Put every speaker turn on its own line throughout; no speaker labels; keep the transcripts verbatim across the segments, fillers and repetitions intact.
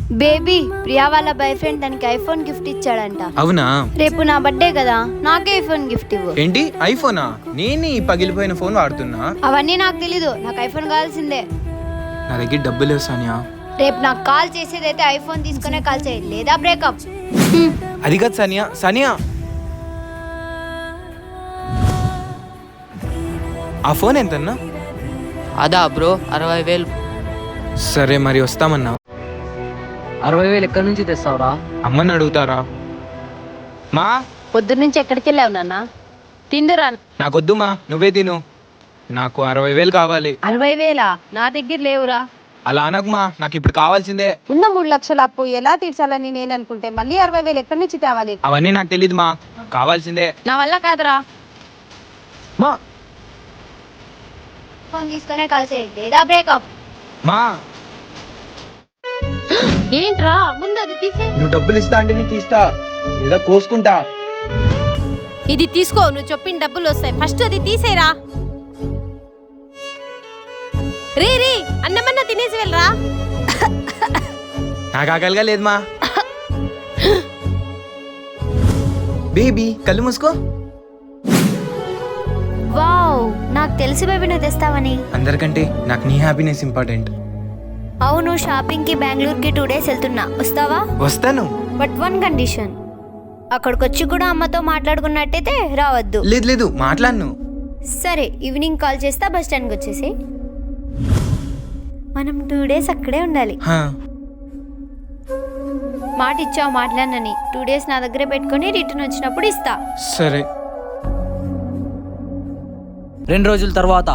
Baby Priya వాళ్ళ boyfriend తనకి iPhone gift ఇచ్చాడంట.
అవునా?
రేపు నా బర్త్డే కదా, నాకే ఐఫోన్ గిఫ్ట్ ఇవ్వు.
ఏంటి ఐఫోనా? నేను ఈ పగిలిపోయిన ఫోన్ వాడుతున్నా.
అవన్నీ నాకు తెలీదు, నాకు ఐఫోన్ కావాల్సిందే.
నా దగ్గర డబ్బులు లేవు సానియా.
రేపు నాకు కాల్ చేసేదైతే ఐఫోన్ తీసుకునే కాల్ చేయి, లేదా బ్రేకప్.
అది కాదు సానియా. సానియా ఆ ఫోన్ ఎంతన్నా?
అదా బ్రో, అరవై వేలు.
సరే మరి వస్తామన్నా.
అరవై వేలు ఎక్కడి నుంచి తెస్తావురా?
అమ్మని అడుగుతారా? మా
పొద్దున్న నుంచి ఎక్కడికి వెళ్ళావు నాన్న? తిందురా.
నాకొద్దు మా, నువ్వే తిను. నాకు అరవై వేలు కావాలి.
అరవై వేలా? నా దగ్గర లేవురా.
అలా అనకు మా, నాకు ఇప్పుడు కావాల్సిందే.
ఉన్న మూడు లక్షల అప్పు ఎలా తీర్చాలని నేను అనుకుంటే మళ్ళీ అరవై వేలు ఎక్కడి నుంచి తేవాలి?
అవన్నీ నాకు తెలియదు మా, కావాల్సిందే.
నా వల్ల కాదురా.
మా
ఫోన్ తీసుకునే కాల్ చేయి, లేదా బ్రేకప్.
మా
ఏంట్రా, ముందు అది తీసే.
నువ్వు డబ్బులు ఇస్తా అంటే నేను తీస్తా, లేదా కోసుకుంటా.
ఇది తీసుకో, నువ్వు చెప్పిన డబ్బులు వస్తాయి. ఫస్ట్ అది తీసేరా. రే రే, అన్నమన్నా తినేసి వెళ్ళరా.
నాకు ఆకలిగా లేదు మా. బేబీ కళ్ళు మూసుకో.
వావ్, నాకు తెలిసి బేబీ నువ్వు తెస్తావని.
అందరికంటే నాకు నీ హ్యాపీనెస్ ఇంపార్టెంట్.
అవును, షాపింగ్ కి బెంగళూరు కి టూ డేస్ వెళ్తున్నా, వస్తావా?
వస్తాను.
బట్ వన్ కండిషన్, అక్కడికి వచ్చి కూడా అమ్మతో మాట్లాడుకున్నట్టయితే రావద్దు.
లేదు లేదు మాట్లాడను.
సరే, ఈవినింగ్ కాల్ చేస్తా, బస్ స్టాండ్కి వచ్చేసి. మనం టూ డేస్ అక్కడే ఉండాలి.
హా.
మాట ఇచ్చావు మాట్లాడనని, టూ డేస్ నా దగ్గరే పెట్టుకొని రిటర్న్ వచ్చినప్పుడు ఇస్తా.
సరే.
రెండు రోజుల తర్వాత.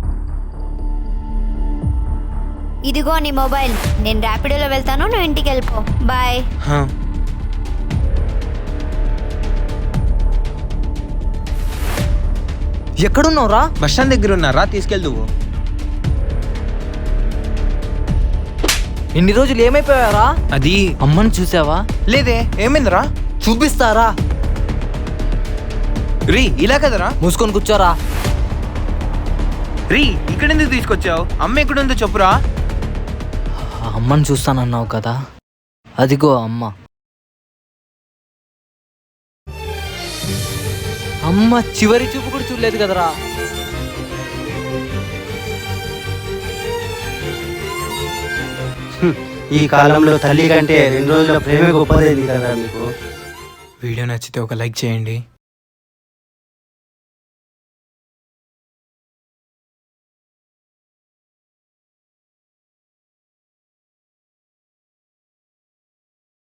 ఇదిగో నీ మొబైల్, నేను ర్యాపిడోలో వెళ్తాను, నువ్వు ఇంటికి వెళ్ళిపో. బాయ్.
హా.
ఎక్కడున్నావురా?
బస్ స్టాండ్ దగ్గర ఉన్నారా, తీసుకెళ్దువు.
ఇన్ని రోజులు ఏమైపోయారా?
అది
అమ్మని చూసావా?
లేదే, ఏమైందిరా?
చూపిస్తారా?
రీ ఇలా కదరా.
మూసుకొని కూర్చోరా.
రీ ఇక్కడ ఎందుకు తీసుకొచ్చావు? అమ్మ ఎక్కడుందో చెప్పురా.
అమ్మని చూస్తానన్నావు కదా, అదిగో అమ్మ. అమ్మ చివరి చూపు కూడా చూడలేదు కదరా.
ఈ కాలంలో తల్లి కంటే రెండు రోజుల ప్రేమే గొప్పదైంది కదా మీకు.
వీడియో నచ్చితే ఒక లైక్ చేయండి.